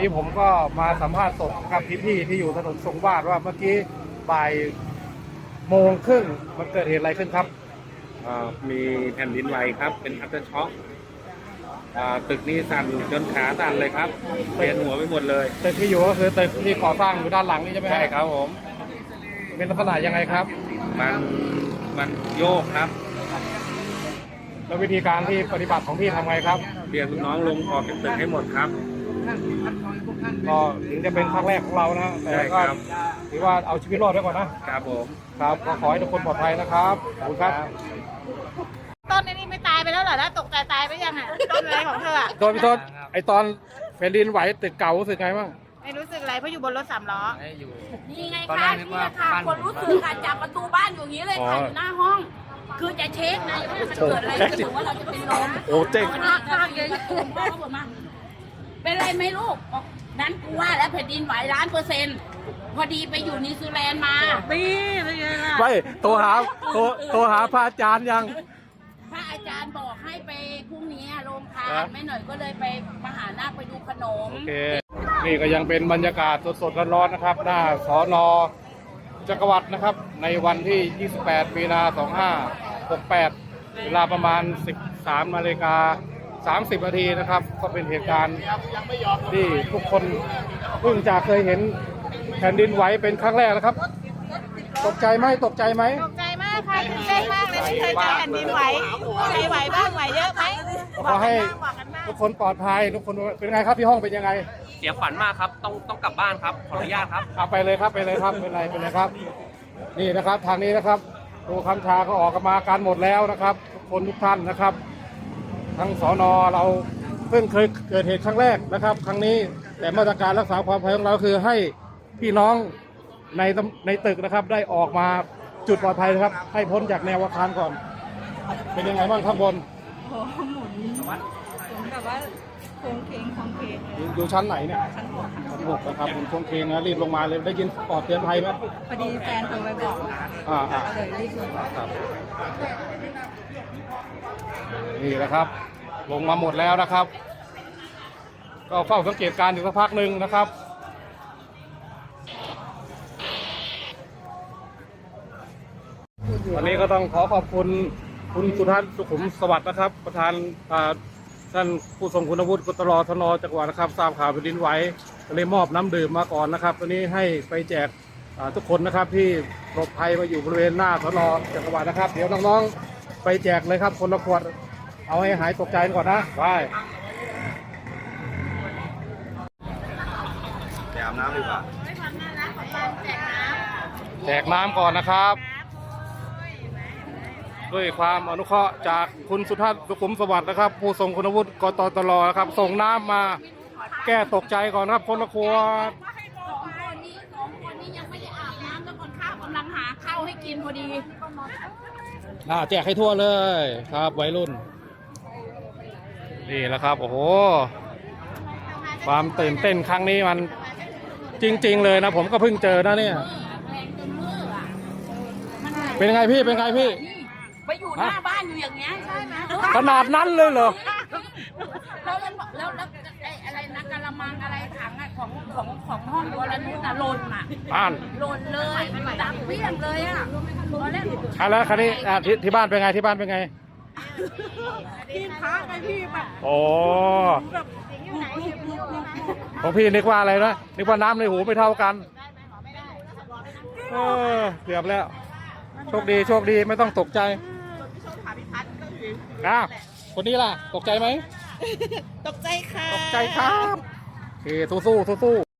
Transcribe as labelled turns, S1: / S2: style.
S1: นี้ผมก็มาสัมภาษณ์สดกับพี่ๆที่อยู่ถนนทรงวาดว่าเมื่อกี้บ่ายโมงครึ่งมันเกิดเหตุอะไรขึ้นครับ
S2: มีแผ่นดินไหวครับเป็นอัฟเตอร์ช็อคตึกนี้สั่นจนขาสั่นเลยครับเวียนหัวไปหมดเลย
S1: ตึกที่อยู่ก็คือตึกที่ก่อสร้างอยู่ด้านหลังนี่ใช่ไหม
S2: ใช่ครับผม
S1: เป็นลักษณะยังไงครับ
S2: มันโยกครับ
S1: แล้ววิธีการที่ปฏิบัติของพี่ทำไงครับ
S2: เรียกลูกน้องลงออกจากตึกให้หมดครับ
S1: ก็ถึงจะเป็นครั้งแรกของเรานะแต่
S2: ใช่
S1: ก็
S2: ครับ
S1: ถือว่าเอาชีวิตรอดไว้ก่อนนะครับ
S2: ผม
S1: ครับก็ขอให้ทุกคนปลอดภัยนะครับขอบคุณครับ
S3: ต้นนี้ไม่ตายไปแล้วเหรอแล้วตกใจตายไปยังอ่ะต้นอะไรของเธออ่ะ
S1: โดนพี่โทษไอตอนแผ่นดินไหวตึกเก่ารู้สึกไงบ้าง
S3: ไม่รู้สึกอะไรเพราะอยู่บนรถ3 ล้อ
S4: นี่ไงคะนี่ค่ะคนรู้สึกค่ะจับประตูบ้านอยู่อย่างนี้เลยค่ะอยู่หน้าห้อง คือจะเช็คนะว่ามันเกิดอะไรขึ้นหรือว่าเราจะเป็นลม
S1: โอ้เจ๊ง
S4: ข้างเลยพ่อเขาบอกมาเป็นไรไหมลูกบอกนั้นกูว่าแล้วแผ่นดินไหว1,000,000%พอดีไปอยู่นิวซีแลนด์มาปีเป็นไงล่ะ
S1: ไม่โทรหาพระอาจารย์ยัง
S4: พระอาจารย์บอกให้ไปพรุ่งนี้โรงทานแม่หน่อยก็เลยไปมหานาคไปดูขนม
S1: โอเคนี่ก็ยังเป็นบรรยากาศสดๆร้อนๆนะครับหน้าสน.จักรวรรดินะครับในวันที่ 28 มีนา 2568 เวลาประมาณ 13:30 นาทีนะครับก็เป็นเหตุการณ์ที่ทุกคนเพิ่งจะเคยเห็นแผ่นดินไหวเป็นครั้งแรกนะครับตกใจไหม
S3: ตกใจมากค่ะตื่นเต้นมากเลยไม่เคยเจอแผ่นดินไหวใครไหวบ้างไหวเยอะไหม
S1: ขอให้
S3: บอกกันบ้าง
S1: ทุกคนปลอดภัยทุกคนเป็นไงครับที่ห้องเป็นยังไง
S5: เสียขวัญมากครับ ต้องกลับบ้านครับ ขออนุญาตครับ
S1: เอาไปเลยครับเป็นไรครับ นี่นะครับทางนี้นะครับตัวคำชาก็ออกมาการหมดแล้วนะครับทุกคนทุกท่านนะครับทั้งสน.เราเพิ่งเคยเกิดเหตุครั้งแรกนะครับ ครั้งนี้แต่มาตรการรักษาความปลอดภัยของเราคือให้พี่น้องในตึกนะครับได้ออกมาจุดปลอดภัยนะครับ ให้พ้นจากแนวอาคารก่อน เป็นยังไงบ้างข้างบน
S6: โอ้โหหมุนแบบว่าโค้งเคงเลย
S1: อยู่ชั้นไหนเนี่ย
S6: ชั้นหกค่ะ
S1: ชั้น6นะครับผมช่วงเคงนะรีบลงมาเลยได้ยินปลอดเตือนภัยไหม
S6: พอดีแฟนโทรไปบอก
S1: อ่า
S6: ก็เลยรีบลงมา
S1: ครับนี่แหละครับ ลงมาหมดแล้วนะครับ ก็เฝ้าสังเกตการณ์อยู่สักพักหนึ่งนะครับวันนี้ก็ต้องขอขอบคุณคุณสุทัศน์สุขุมสวัสดิ์นะครับ ประธานท่านผู้ทรงคุณวุฒิกตรทนจังหวัดนะครับทราบข่าวแผ่นดินไหวก็เลยมอบน้ำดื่มมาก่อนนะครับตัวนี้ให้ไปแจกทุกคนนะครับที่ปลอดภัยมาอยู่บริเวณหน้าทนจังหวัดนะครับเดี๋ยวน้องๆไปแจกเลยครับคนละขวดเอาให้หายตกใจก่อนนะไป
S2: ไปอาบน้ำดีกว่า
S1: แจกน้ำก่อนนะครับด้วยความอนุเคราะห์จากคุณสุทัศน์สุขุมสวัสดิ์นะครับ ผู้ทรงคุณวุฒิกตตลนะครับส่งน้ำมาแก้ตกใจก่อนครับคนละขวด
S4: 2 คนนี้ยังไม่ได้อาบน้ำแล้วคนข้าวกำลังหาข้าวให้กินพอดี
S1: แจกให้ทั่วเลยครับวัยรุ่นนี่แหละครับโอ้โหความตื่นเต้นครั้งนี้มันจริงๆเลยนะผมก็เพิ่งเจอนะเนี่ย
S4: แรงจนมืออ่ะมัน
S1: เป็นไงพี่เป็นไงพี่
S4: ไปอยู่หน้าบ้านอยู่อย่างเงี้ยใช่ไหม
S1: ขนาดนั้นเลยเหรอ
S4: แล้วไอ้อะไรนะกะละมังอะไรถังอะของห้องวรนุชน่ะหล่นอ่ะ
S1: อ่าน
S4: หล่นเลยดังเปี้ยงเลยอ่ะตอนแรก
S1: แล้วคราวนี้ที่บ้านเป็นไงที่บ้านเป็นไง
S6: พี่พระไงพี่แบบ
S1: โอ้ของพี่นึกว่าอะไรนะนึกว่าน้ำในหูไม่เท่ากันเกือบแล้วโชคดีไม่ต้องตกใจคนนี้ล่ะตกใจไหม
S6: ตกใจค่ะ
S1: ตกใจครับโอเคสู้